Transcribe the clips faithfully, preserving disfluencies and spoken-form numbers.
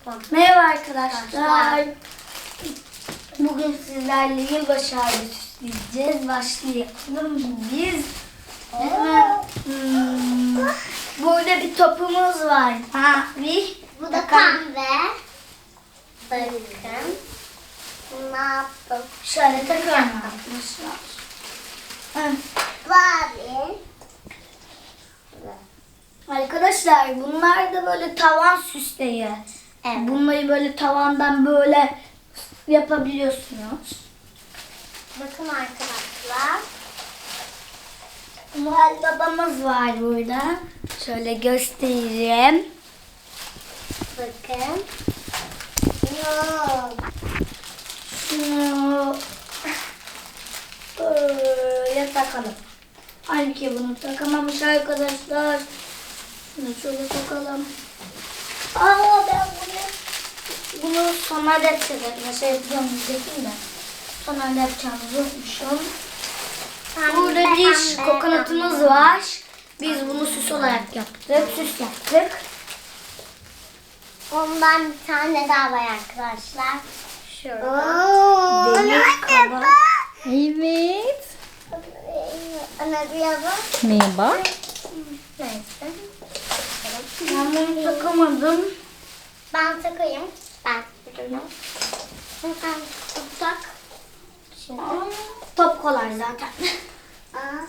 Merhaba arkadaşlar. Bugün sizlerle yılbaşı ağacı süsleyeceğiz. Başlayalım biz. Hemen, hmm, burada bir topumuz var. Ha, bir. Bu da pembe. Bakın. Ne yaptım? Şöyle takalım arkadaşlar. Hı. Bari. Arkadaşlar bunlar da böyle tavan süsleyi. Evet. Bunları böyle tavandan böyle yapabiliyorsunuz. Bakın arkadaşlar. Noel babamız var burada. Şöyle göstereyim. Bakın. Yok. Şunu böyle takalım. Halbuki bunu takamamış arkadaşlar. Şunu şöyle takalım. Aa ben bunu bunu sonra da yapacağım. Nasıl yapacağım diyecektim de. Sonra da yapacağımızı unutmuşum. Burada bir kokonatımız var. Biz bunu süs olarak yaptık. Süs yaptık. Ondan bir tane daha var arkadaşlar. Şurada. Demir kaba. Evet. Ana bir yazın. Merhaba. Neyse. Ben bunu takamadım. Ben takayım. Ben bunu. Sen tutsak. Şimdi. Aa, top kolay zaten. Aa.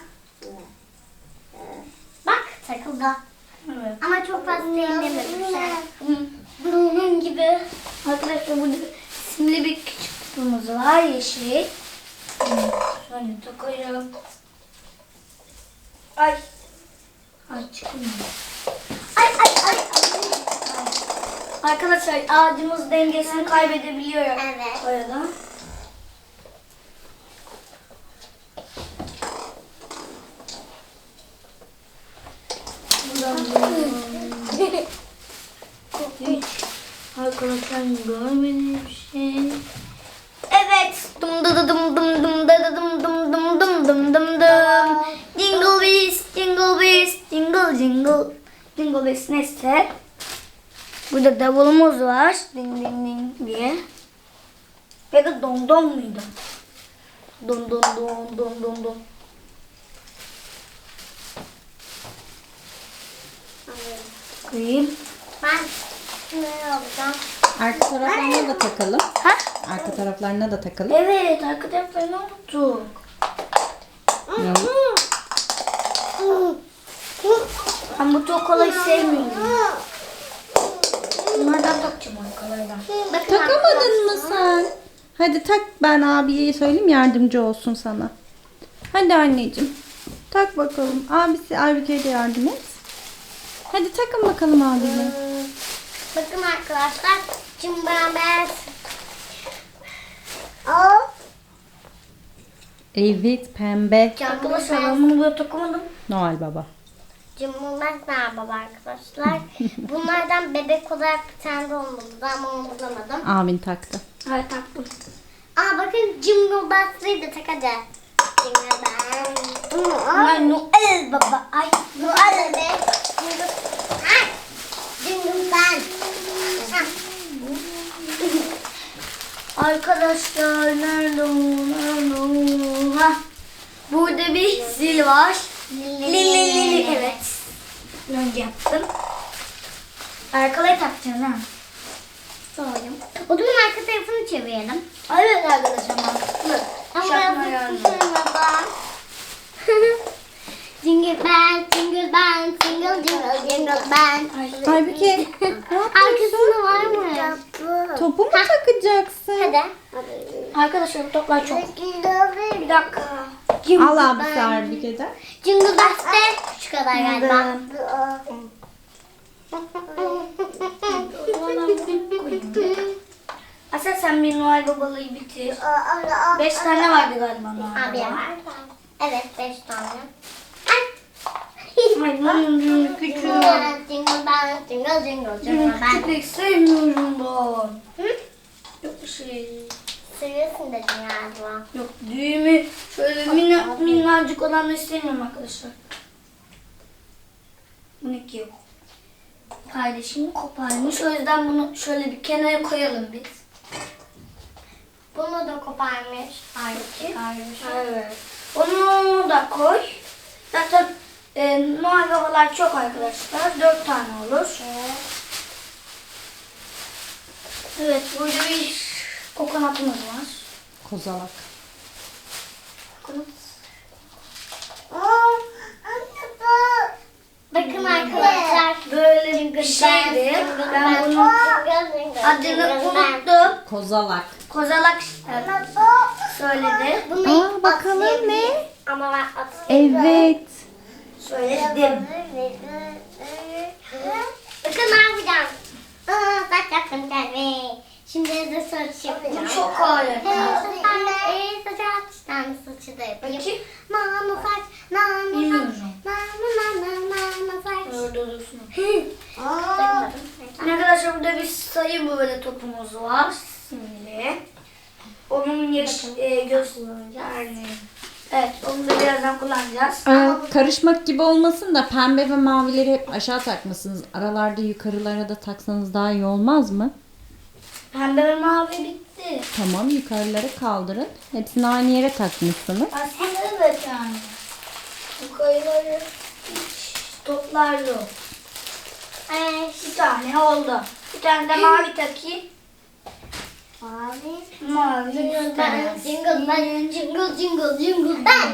Bak takıldı. Evet. Ama çok fazla ellemedim. Hı. Bunun gibi. Arkadaşlar burada simli bir küçük kutumuz var. Yeşil. Şöyle takıyorum. Ay. Ay çıkmıyor. Ay ay ay. ay. Arkadaşlar ağacımız dengesini kaybedebiliyor. Evet. Arada. Buradan böyle. Hiç arkadaşlar görmediğim bir şey. Evet. Dum dı dı dım dım dım dı dı dım dım dım dım dım dım dım. Jingle bells, jingle bells, jingle jingle. Jingle bells neyse. Burada davulumuz var. Ding ding ding diye. Ya da don don muydu? Don don don don don don. Koyayım. Ben ne yapacağım? Arka taraflarına da takalım. Ha? Arka taraflarına da takalım. Evet, arka taraflarını unuttuk. Ya. Ben bu çok kolay sevmiyorum. Bunlardan takacağım arkalardan. Bakın Takamadın mı sen? Hadi tak, ben abiye söyleyeyim, yardımcı olsun sana. Hadi anneciğim. Tak bakalım. Abisi Aybüke'ye de yardım et. Hadi takın bakalım abiyle. Bakın arkadaşlar. Şimdi ben ben. Aa. Evet, pembe. Arkadaşlar ben bunu böyle takamadım. Noel Baba. Cumhurbaşkanı merhaba arkadaşlar. Bunlardan bebek olarak bir tane de olmalı ama onu bulamadım. Abin taktı. Evet taktım. Aa bakın Cumhurbaşkanı'yı da tak hadi. Cumhurbaşkanı. Ay Noel baba. Ay Noel be. Ay. Cumhurbaşkanı. arkadaşlar nerede o? Nerede o? Ha. Burada bir zil var. Lili lili evet. Önce yaptım. Arkalayı takacağız ha. Sorayım. O zaman arka tarafını çevirelim. Evet arkadaşlar mantıklı. Ama Şapma yazık yani. baba. Jingle bell, jingle bell, jingle jingle jingle bell. Ay. Aybüke, Arkasında var mı? topu mu takacaksın? Hadi. Arkadaşlar bu toplar çok. Bir dakika. Al abisi Aybüke'den. Jingle Bells de şu kadar galiba. Asel sen bir Noel babalığı bitir. Beş tane vardı galiba Noel Abi baba. var. Evet beş tane. Ay bunun küçük. Jingle bell, jingle jingle jingle Bunun bell. küçük sevmiyorum ben. Hı? Yok bir şey. Seviyorsun dedin galiba. Yok düğümü şöyle minna, minnacık olanı istemiyorum arkadaşlar. Bununki yok. kardeşim koparmış. O yüzden bunu şöyle bir kenara koyalım biz. Bunu da koparmış. Aybüke kardeşim. Evet. Onu da koy. Zaten e, mavi havalar çok arkadaşlar. Dört tane olur. Evet, burada bir kokonatımız var. Kozalak. Kokonat. Bakın arkadaşlar. Böyle bir şeydi. Ben bunun adını unuttum. Kozalak. Kozalak e, söyledi. Bunu Aa, bakalım ne? Ama ben atayım. Evet. Söyledim. Bakın ne yapacağım. Aa, saç yaptım kendime. Şimdi de saç yapacağım. Bu çok kolay. Ee, saç tane saçı da yapayım. Bakayım. Nano saç, nano saç, Bilmiyorum. nano nano nano saç. Orada dursun. Aa. Arkadaşlar burada bir sayı böyle topumuz var. Simli. Onun yaş e, gösterdiği. Evet, onu da birazdan kullanacağız. Ee, karışmak gibi olmasın da pembe ve mavileri hep aşağı takmışsınız. Aralarda yukarılara da taksanız daha iyi olmaz mı? Pembe ve mavi bitti. Tamam, yukarılara kaldırın. Hepsini aynı yere takmışsınız. Aslında evet yani. Yukarıları hiç toplar yok. Ee, Bir tane oldu. Bir tane de mavi takayım. mavi. Mavi Ben göster. jingle ben jingle jingle jingle ben.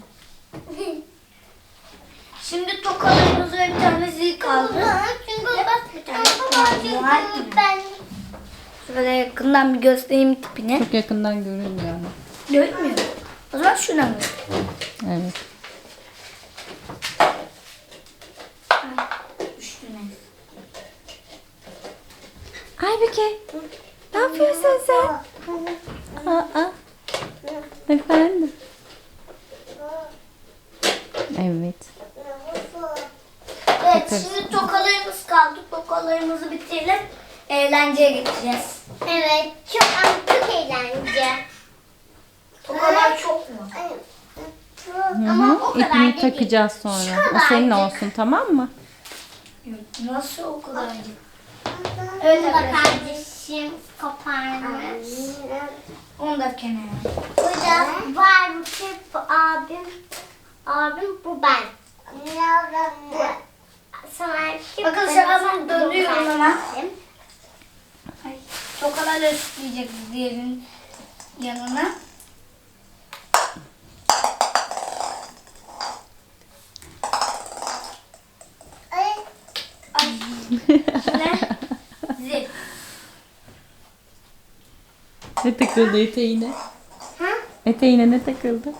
Şimdi tokalarımız ve bir tane zil kaldı. Jingle ben. Bir tane var. Ben. Şöyle yakından bir göstereyim tipini. Çok yakından görünmüyor ama. Görünmüyor. O zaman şuna mı? Evet. Üstüne. Aybüke, ne yapıyorsun sen? Aa, efendim. Evet. Evet, Takarız. şimdi tokalarımız kaldı. Tokalarımızı bitirelim. Eğlenceye gideceğiz. Evet, çok ama çok eğlence. Tokalar çok mu? Hı Ama hı. o kadar İpini da değil. takacağız Şu sonra. O senin kadarcık. olsun, tamam mı? Nasıl o kadar? Evet, Evet Bu da arkadaşlar. kardeşim koparmış. Onu da kenara. Burada var bu şey, bu abim. Abim bu ben. Bu sana kim? Bakın Ben şuradan sana dönüyorum bu hemen. kardeşim. Ay, tokalarla üstleyecek diğerinin yanına. Ay, Ay. Şöyle. Zil. Ne takıldı eteğine? Ha? Eteğine ne takıldı?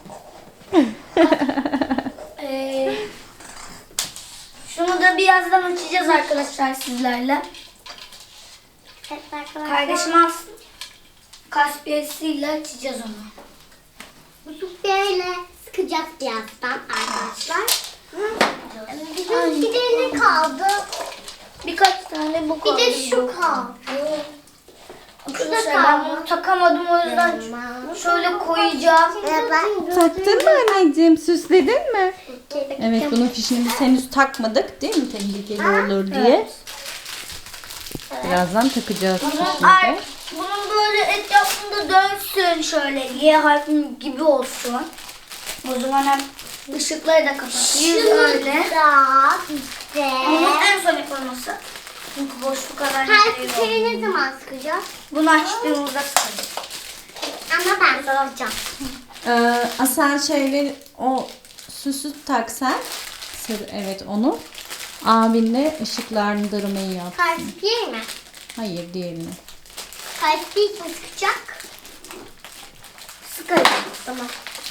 Ee, şunu da birazdan açacağız arkadaşlar sizlerle. Evet arkadaşlar. Kardeşim alsın. Kaspiyesiyle açacağız onu. Bu böyle sıkacağız birazdan arkadaşlar. Bizim bir de ne kaldı? Birkaç tane bu Bir kaldı. de şu kaldı. Arkadaşlar ben bunu takamadım o yüzden şöyle koyacağım. Taktın mı anneciğim? Süsledin mi? Evet, bunun fişini biz henüz takmadık değil mi? Tehlikeli olur diye. Birazdan takacağız fişini Ay, de. bunun böyle etrafında dönsün şöyle Y harfi gibi olsun. O zaman hem ışıkları da kapatayım öyle. Da işte. Bunun en son yapılması. Çünkü boşluk kadar Kalpleri ne zaman sıkacağız? Bunu açtığımızda sıkarız. Ama ben soracağım. Ee, Asel şeyleri, o süsü tak sen. Sır, evet onu. Abinle ışıklandırmayı yap. Kalpleri mi? Hayır, diğerini. Kalpleri mi sıkacak? Sıkarız. Tamam.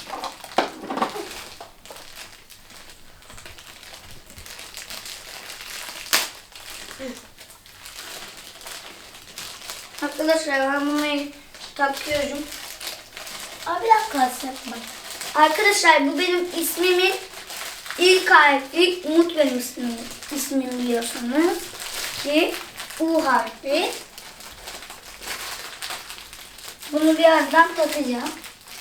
Arkadaşlar ben bunu takıyorum. Abi bir dakika sen bak. Arkadaşlar bu benim ismimin ilk harfi. Umut benim ismim, ismim biliyorsunuz. Ki U harfi. Bunu birazdan takacağım.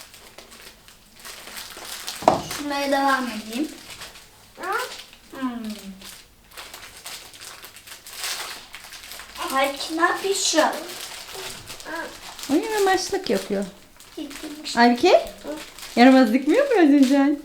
Şunlara devam edeyim. Hmm. Halbuki ne yapıyorsun? Oyun amaçlık yapıyor. Aybike? Yaramazlık mı yapıyorsun sen?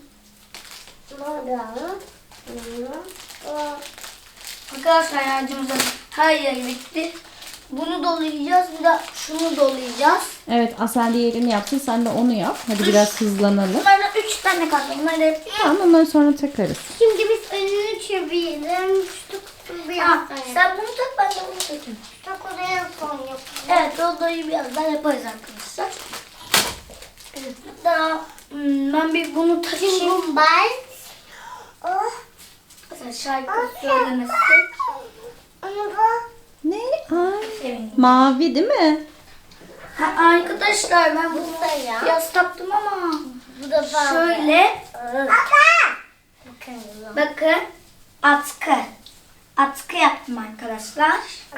Arkadaşlar harcımızın her yeri bitti. Bunu dolayacağız. Bir de şunu dolayacağız. Evet, Asel diğerini yapsın. Sen de onu yap. Hadi biraz hızlanalım. Bunlardan üç tane kaldı. Bunları da Tamam, onları sonra takarız. Şimdi biz önünü çevirelim. Şu kutuyu biraz Ha, daha yapalım. sen bunu tak, ben de bunu takayım. Çok oraya son yapalım. Evet, odayı birazdan yaparız arkadaşlar. Evet, daha hmm, ben bir bunu takayım. Şimdi ben... Oh. Mesela şarkı söylemesi. Onu da... Ne? Ay. Sevindim. Mavi değil mi? Ha, arkadaşlar ben bunu da ya. yaz taktım ama Bu da ben. şöyle Bakın. bakın atkı. Atkı yaptım arkadaşlar.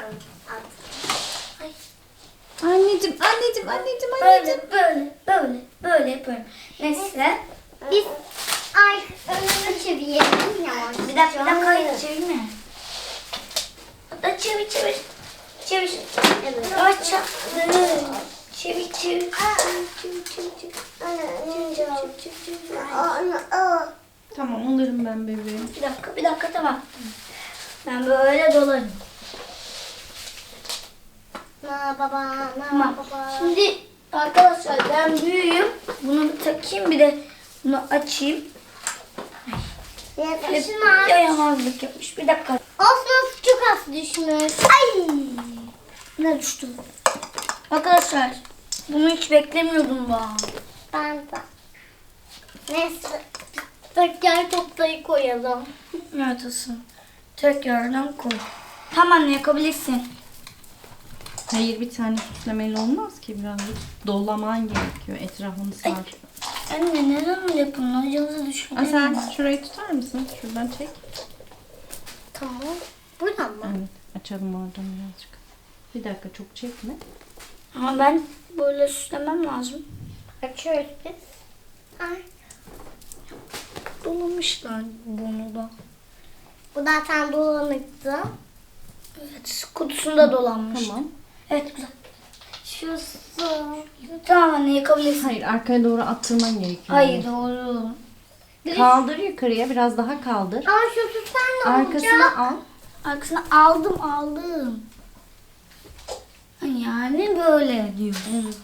Anneciğim, anneciğim, anneciğim, anneciğim. Böyle böyle böyle böyle yapıyorum. Neyse. Biz... Ay önünü çevirelim yavaş. Bir dakika bir dakika hayır çevirme. Hatta çevir çevir. Çevir. Evet. Yavaş çevir. Çevir çevir. Çevir çevir çevir. Tamam, alırım ben bebeğim. Bir dakika bir dakika tamam. Ben böyle dolarım. Na baba, na Tamam. baba. Şimdi arkadaşlar ben büyüğüm. Bunu bir takayım bir de bunu açayım. Hep Şuna. yayamazlık yapmış. Bir dakika. Osman çok az düşmüş. Ay! Ne düştü? Arkadaşlar bunu hiç beklemiyordum ben. Ben de. Neyse. Tekrar toplayı koyalım. Evet olsun. Tekrardan koy. Tamam yakabilirsin. Hayır, bir tane süslemeli olmaz ki, birazcık dolaman gerekiyor. Etrafını sar. Anne neden öyle yapıyorsun? Hocamızı düşünelim. Asel, şurayı tutar mısın? Şuradan çek. Tamam. Buradan mı? Evet, açalım oradan birazcık. Bir dakika, çok çekme. Ama ben böyle süslemem lazım. Açıyoruz biz. Ay. Dolamışlar bunu da. Bu da tam dolanıktı. Evet kutusunda dolanmış. Tamam. Evet güzel. Şu su. Tamam anne yakabilirsin. Hayır, arkaya doğru attırman gerekiyor. Hayır doğru. Kaldır yukarıya, biraz daha kaldır. Aa şu su sen ne olacak? Arkasına al. Arkasına aldım aldım. Yani böyle diyor. Evet.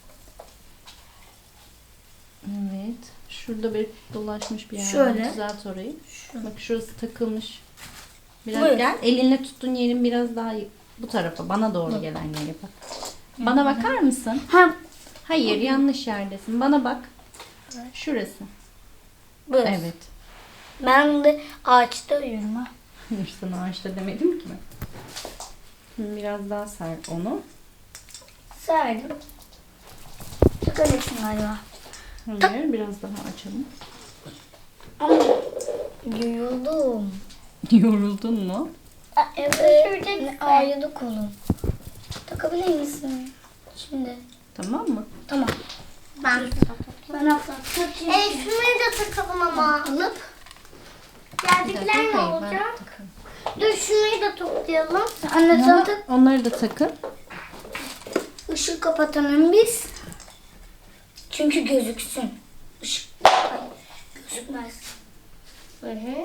Evet. Şurada bir dolaşmış bir yer var. Şöyle. Düzelt orayı. Bak şurası takılmış. Biraz Buyur. gel. Elinle tuttuğun yerin biraz daha bu tarafa. Bana doğru gelen yere bak. Bana bakar mısın? Ha Hayır, yanlış yerdesin. Bana bak. Şurası. böyle. Evet. Ben de ağaçta uyuyorum ha. Hayır, sana ağaçta demedim ki ben. Şimdi biraz daha ser onu. Serdim. Takabilirsin galiba. Hayır, biraz daha açalım. Ama yoruldum. Yoruldun mu? Aa, evet. Ne ağrıyordu kolum. Takabilir misin? Şimdi. Tamam mı? Tamam. Ben. Ben hafta takayım. E şunu da takalım ama. Alıp. Geldikler ne Hayır, ben olacak? takayım. Dur şunu da toplayalım. Anne sen tak. Onları da takın. Işığı kapatalım biz. Çünkü gözüksün. Işık. Hayır, gözükmez. Hı hı.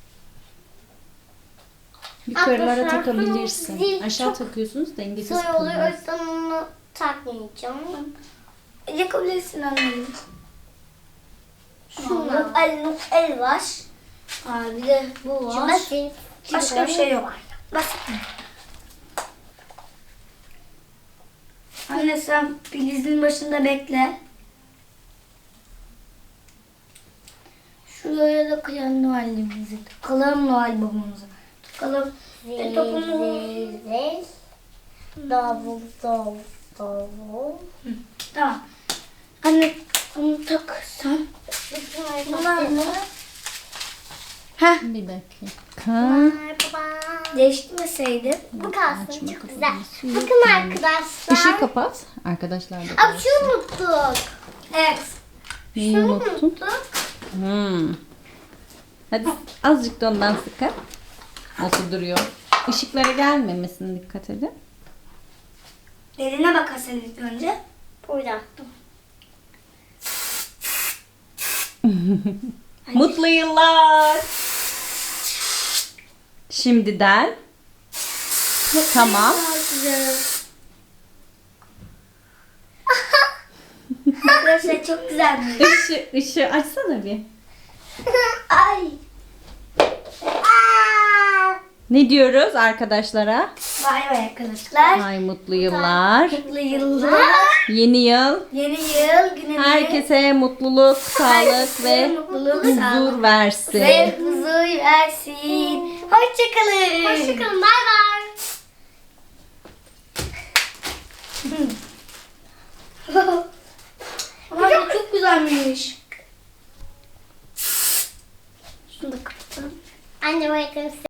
Yukarılara Arkadaşlar, takabilirsin. zil Aşağı çok takıyorsunuz, dengesiz Soy oluyor o kalıyor. yüzden onu takmayacağım. Yakabilirsin anneciğim. Şunu. El, el var. Aa, bir de bu var. Basit. Başka bir şey yok. Basit mi? Anne sen filizin başında bekle. Şuraya da kıyan Noel'imizi takalım, Noel babamıza takalım. Ve topumuz. Zil. Davul, davul, davul. Tamam. Anne onu tak sen. Bunlar mı? Heh. Bir dakika. Merhaba. Değiştirmeseydim. Bu kalsın Açma çok kafanı, güzel. suyu Bakın yok. arkadaşlar. Işığı kapat. Arkadaşlar da Abi görsün. şunu unuttuk. Evet. Neyi Şunu unuttun? unuttuk. Hmm. Hadi azıcık da ondan sıkın. Nasıl duruyor? Işıklara gelmemesine dikkat edin. Derine bakarsan ilk önce. Burada. Mutlu yıllar. Şimdiden. Tamam. Arkadaşlar çok güzelmiş. Işığı, ışığı açsana bir. Ay. Aa! Ne diyoruz arkadaşlara? Bay bay arkadaşlar. Ay mutlu yıllar. Mutlu yıllar. Yeni yıl. Yeni yıl günü. Herkese mutluluk, sağlık ve mutluluk, huzur sağlık versin. ve huzur versin. Hoşçakalın. Hoşçakalın. Bay bay. Ama çok güzelmiş. Şunu da kapatalım. Anne bakın.